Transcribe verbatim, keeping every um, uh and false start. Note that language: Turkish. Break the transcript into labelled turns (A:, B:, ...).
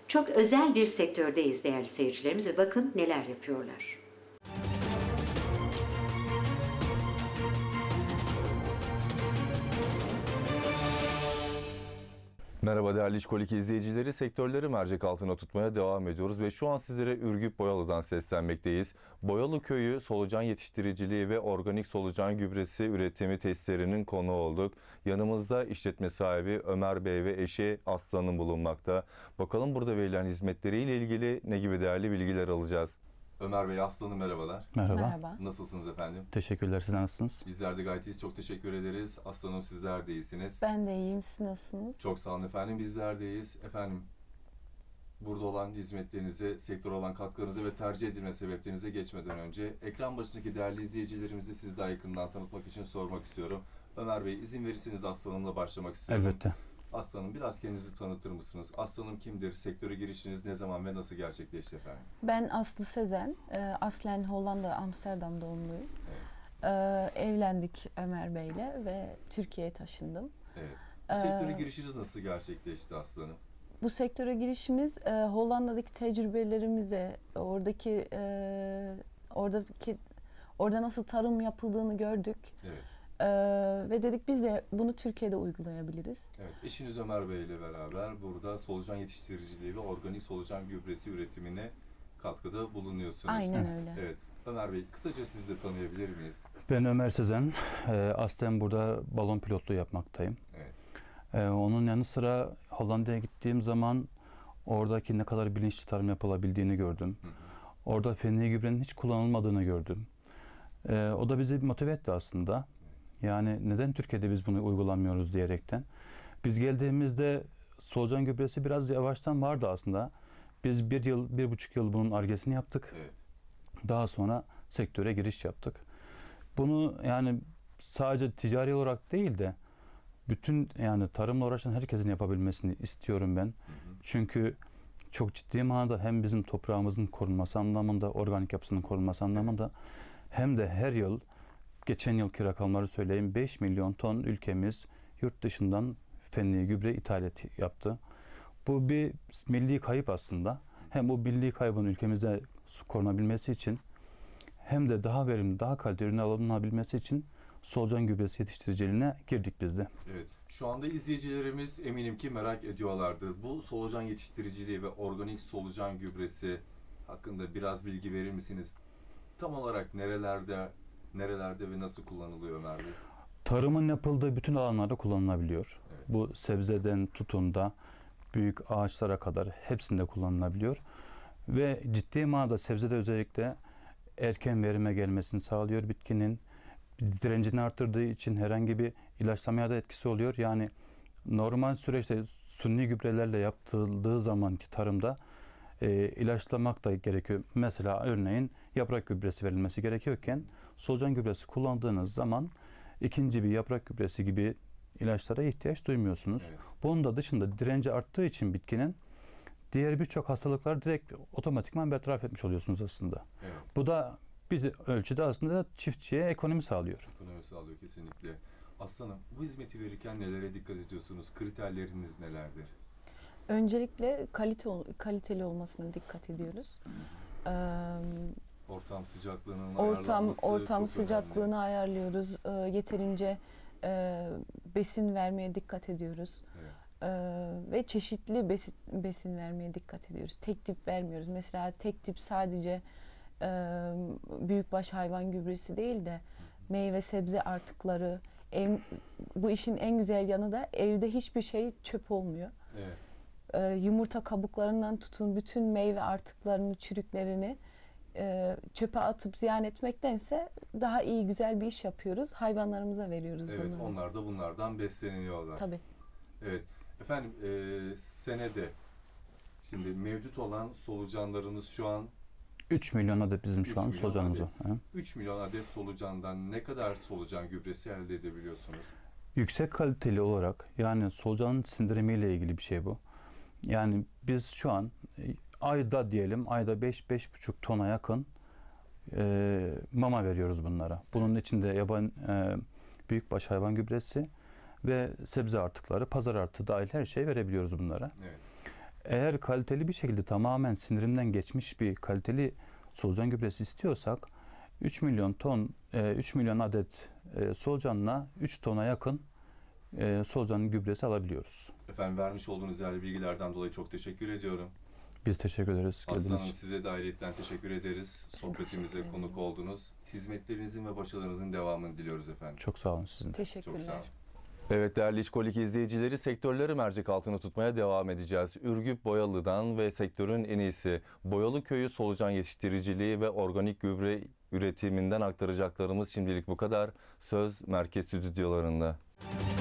A: Çok özel bir sektördeyiz değerli seyircilerimiz ve bakın neler yapıyorlar.
B: Merhaba değerli İşkolik izleyicileri, sektörleri mercek altına tutmaya devam ediyoruz ve şu an sizlere Ürgüp Boyalı'dan seslenmekteyiz. Boyalı Köyü solucan yetiştiriciliği ve organik solucan gübresi üretimi testlerinin konu olduk. Yanımızda işletme sahibi Ömer Bey ve eşi Aslı bulunmakta. Bakalım burada verilen hizmetleriyle ilgili ne gibi değerli bilgiler alacağız. Ömer Bey, Aslı Hanım merhabalar.
C: Merhaba.
D: Merhaba.
B: Nasılsınız efendim?
C: Teşekkürler. Siz nasılsınız?
B: Bizler de gayet iyiyiz. Çok teşekkür ederiz. Aslı Hanım, sizler de iyisiniz.
D: Ben de iyiyim. Siz nasılsınız?
B: Çok sağ olun efendim. Bizler de iyiyiz. Efendim, burada olan hizmetlerinize, sektöre olan katkılarınıza ve tercih edilme sebeplerinize geçmeden önce ekran başındaki değerli izleyicilerimizi siz daha yakından tanıtmak için sormak istiyorum. Ömer Bey, izin verirseniz Aslı Hanım'la başlamak istiyorum.
C: Elbette.
B: Aslı Hanım, biraz kendinizi tanıtır mısınız? Aslı Hanım kimdir? Sektöre girişiniz ne zaman ve nasıl gerçekleşti efendim?
D: Ben Aslı Sezen. Ee, Aslen Hollanda, Amsterdam doğumluyum.
B: Evet.
D: Ee, evlendik Ömer Bey'le ve Türkiye'ye taşındım.
B: Evet. Bu
D: Ee,
B: sektöre girişiniz nasıl gerçekleşti Aslı Hanım?
D: Bu sektöre girişimiz e, Hollanda'daki tecrübelerimize, oradaki e, oradaki orada nasıl tarım yapıldığını gördük.
B: Evet.
D: Ee, ve dedik biz de bunu Türkiye'de uygulayabiliriz.
B: Evet, eşiniz Ömer Bey ile beraber burada solucan yetiştiriciliği ve organik solucan gübresi üretimine katkıda bulunuyorsunuz.
D: Aynen öyle.
B: Evet, Ömer Bey, kısaca sizi de tanıyabilir miyiz?
C: Ben Ömer Sezen. Ee, aslen burada balon pilotluğu yapmaktayım.
B: Evet.
C: Ee, onun yanı sıra Hollanda'ya gittiğim zaman oradaki ne kadar bilinçli tarım yapılabildiğini gördüm.
B: Hı hı.
C: Orada fenli gübrenin hiç kullanılmadığını gördüm. Ee, o da bizi motive etti aslında. Yani neden Türkiye'de biz bunu uygulamıyoruz diyerekten. Biz geldiğimizde solucan gübresi biraz yavaştan vardı aslında. Biz bir yıl, bir buçuk yıl bunun argesini yaptık.
B: Evet.
C: Daha sonra sektöre giriş yaptık. Bunu yani sadece ticari olarak değil de bütün yani tarımla uğraşan herkesin yapabilmesini istiyorum ben. Hı hı. Çünkü çok ciddi manada hem bizim toprağımızın korunması anlamında, organik yapısının korunması anlamında hem de her yıl, geçen yılki rakamları söyleyeyim, beş milyon ton ülkemiz yurt dışından fenli gübre ithalat yaptı. Bu bir milli kayıp aslında. Hem bu milli kaybın ülkemizde korunabilmesi için hem de daha verimli, daha kaliteli ürün alınabilmesi için solucan gübresi yetiştiriciliğine girdik biz de.
B: Evet. Şu anda izleyicilerimiz eminim ki merak ediyorlardır. Bu solucan yetiştiriciliği ve organik solucan gübresi hakkında biraz bilgi verir misiniz? Tam olarak nerelerde, nerelerde ve nasıl kullanılıyor Ömer Bey?
C: Tarımın yapıldığı bütün alanlarda kullanılabiliyor.
B: Evet.
C: Bu sebzeden tutun da büyük ağaçlara kadar hepsinde kullanılabiliyor. Ve ciddi manada sebzede özellikle erken verime gelmesini sağlıyor bitkinin. Direncini arttırdığı için herhangi bir ilaçlamaya da etkisi oluyor. Yani normal süreçte suni gübrelerle yapıldığı zamanki tarımda e, ilaçlamak da gerekiyor. Mesela örneğin yaprak gübresi verilmesi gerekiyorken solucan gübresi kullandığınız zaman ikinci bir yaprak gübresi gibi ilaçlara ihtiyaç duymuyorsunuz.
B: Evet.
C: Bunun da dışında direnci arttığı için bitkinin diğer birçok hastalıklar direkt otomatikman bertaraf etmiş oluyorsunuz aslında.
B: Evet.
C: Bu da bir ölçüde aslında çiftçiye ekonomi sağlıyor.
B: Ekonomi sağlıyor kesinlikle. Aslanım, bu hizmeti verirken nelere dikkat ediyorsunuz? Kriterleriniz nelerdir?
D: Öncelikle kalite kaliteli olmasına dikkat ediyoruz. Ee,
B: Ortam sıcaklığının
D: ortam
B: ayarlanması
D: ortam
B: çok
D: sıcaklığını
B: önemli.
D: ayarlıyoruz. Ee, yeterince e, besin vermeye dikkat ediyoruz.
B: Evet.
D: Ee, ve çeşitli besin, besin vermeye dikkat ediyoruz. Tek tip vermiyoruz. Mesela tek tip sadece e, büyükbaş hayvan gübresi değil de meyve sebze artıkları. Ev, bu işin en güzel yanı da evde hiçbir şey çöp olmuyor.
B: Evet.
D: Ee, yumurta kabuklarından tutun bütün meyve artıklarını, çürüklerini e, çöpe atıp ziyan etmektense daha iyi, güzel bir iş yapıyoruz. Hayvanlarımıza veriyoruz
B: Evet,
D: bunları.
B: onlar da bunlardan besleniyorlar.
D: Tabii.
B: Evet. Efendim, e, senede şimdi mevcut olan solucanlarınız şu an
C: üç milyon adet bizim
B: üç
C: şu an
B: milyon
C: solucanımız
B: adet.
C: var.
B: üç milyon adet solucandan ne kadar solucan gübresi elde edebiliyorsunuz?
C: Yüksek kaliteli olarak, yani solucanın sindirimiyle ilgili bir şey bu. Yani biz şu an e, ayda diyelim ayda beş beş buçuk tona yakın e, mama veriyoruz bunlara. Bunun içinde yaban e, büyükbaş hayvan gübresi ve sebze artıkları, pazar artığı dahil her şeyi verebiliyoruz bunlara.
B: Evet.
C: Eğer kaliteli bir şekilde tamamen sindirimden geçmiş bir kaliteli solucan gübresi istiyorsak üç milyon ton, e, üç milyon adet e, solucanla üç tona yakın e, solucan gübresi alabiliyoruz.
B: Efendim vermiş olduğunuz değerli bilgilerden dolayı çok teşekkür ediyorum.
C: Biz teşekkür ederiz.
B: Aslı
C: geldiğiniz
B: Hanım
C: için.
B: size de ayrıyetten teşekkür ederiz. Sohbetimize
D: teşekkür
B: konuk oldunuz. Hizmetlerinizin ve başarılarınızın devamını diliyoruz efendim.
C: Çok sağ olun sizin de.
D: Teşekkürler.
B: Çok sağ olun. Evet değerli İşkolik izleyicileri, sektörleri mercek altına tutmaya devam edeceğiz. Ürgüp Boyalı'dan ve sektörün en iyisi Boyalı Köyü solucan yetiştiriciliği ve organik gübre üretiminden aktaracaklarımız şimdilik bu kadar. Söz merkez stüdyolarında.